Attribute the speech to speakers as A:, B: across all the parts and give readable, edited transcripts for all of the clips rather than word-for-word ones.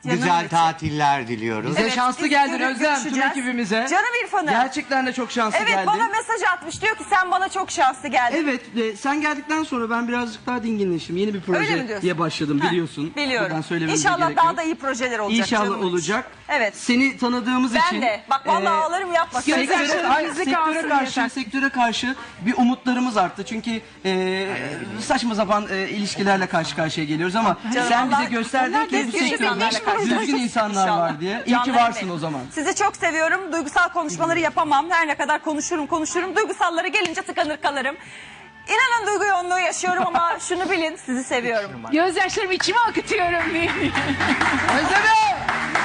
A: güzel
B: içi.
A: tatiller diliyoruz.
C: Bize
B: Evet,
C: şanslı
B: biz
C: geldin Özlem, tüm
B: görüşeceğiz.
C: ekibimize.
B: Canım İrfan'ım.
C: Gerçekten de çok şanslı
B: Evet,
C: geldin.
B: bana mesaj atmış, diyor ki sen bana çok şanslı geldin.
C: Evet, sen geldikten sonra ben birazcık daha dinginleştim. Yeni bir
B: Öyle mi
C: projeye
B: diyorsun?
C: başladım,
B: Ha,
C: biliyorsun.
B: biliyorum.
C: Buradan söylememize
B: İnşallah
C: gerek
B: daha
C: yok.
B: da iyi projeler olacak.
C: İnşallah
B: canım benim.
C: olacak.
B: Evet.
C: Seni tanıdığımız
B: Ben
C: için.
B: de. Bak vallahi ağlarım, yapma.
C: Sektöre karşı bir umutlarımız arttı. Çünkü saçma sapan ilişkilerle karşı karşıya geliyoruz ama
B: Canım,
C: sen bize
B: Allah-
C: gösterdin
B: Onlar
C: ki bu
B: düzgün
C: sektörde
B: insanlarla karşılaşacağız
C: düzgün insanlar
B: inşallah.
C: var diye. İyi ki
B: Canlarım
C: varsın
B: benim.
C: o zaman.
B: Sizi çok seviyorum. Duygusal konuşmaları yapamam. Her ne kadar konuşurum. Duygusallara gelince tıkanır kalırım. İnanın duygu yoğunluğu yaşıyorum ama şunu bilin, sizi seviyorum.
D: Gözyaşlarımı içime akıtıyorum diye.
C: Özlemi!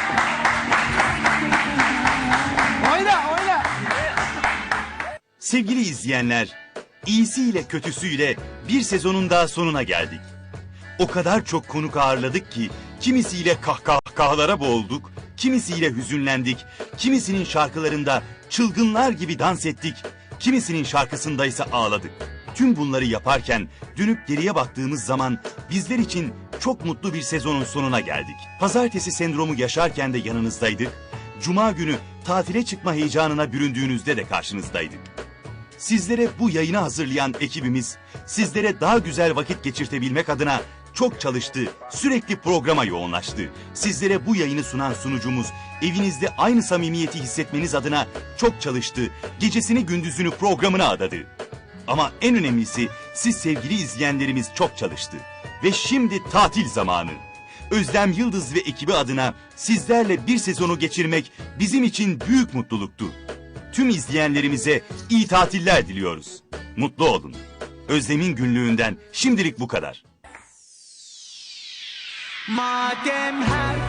C: Oyna!
E: Sevgili izleyenler, iyisiyle kötüsüyle bir sezonun daha sonuna geldik. O kadar çok konuk ağırladık ki kimisiyle kahkahalara boğulduk, kimisiyle hüzünlendik, kimisinin şarkılarında çılgınlar gibi dans ettik, kimisinin şarkısında ise ağladık. Tüm bunları yaparken dönüp geriye baktığımız zaman bizler için çok mutlu bir sezonun sonuna geldik. Pazartesi sendromu yaşarken de yanınızdaydık. Cuma günü tatile çıkma heyecanına büründüğünüzde de karşınızdaydık. Sizlere bu yayını hazırlayan ekibimiz, sizlere daha güzel vakit geçirtebilmek adına çok çalıştı, sürekli programa yoğunlaştı. Sizlere bu yayını sunan sunucumuz, evinizde aynı samimiyeti hissetmeniz adına çok çalıştı, gecesini gündüzünü programına adadı. Ama en önemlisi siz sevgili izleyenlerimiz çok çalıştı. Ve şimdi tatil zamanı. Özlem Yıldız ve ekibi adına sizlerle bir sezonu geçirmek bizim için büyük mutluluktu. Tüm izleyenlerimize iyi tatiller diliyoruz. Mutlu olun. Özlem'in günlüğünden şimdilik bu kadar.
A: Madem her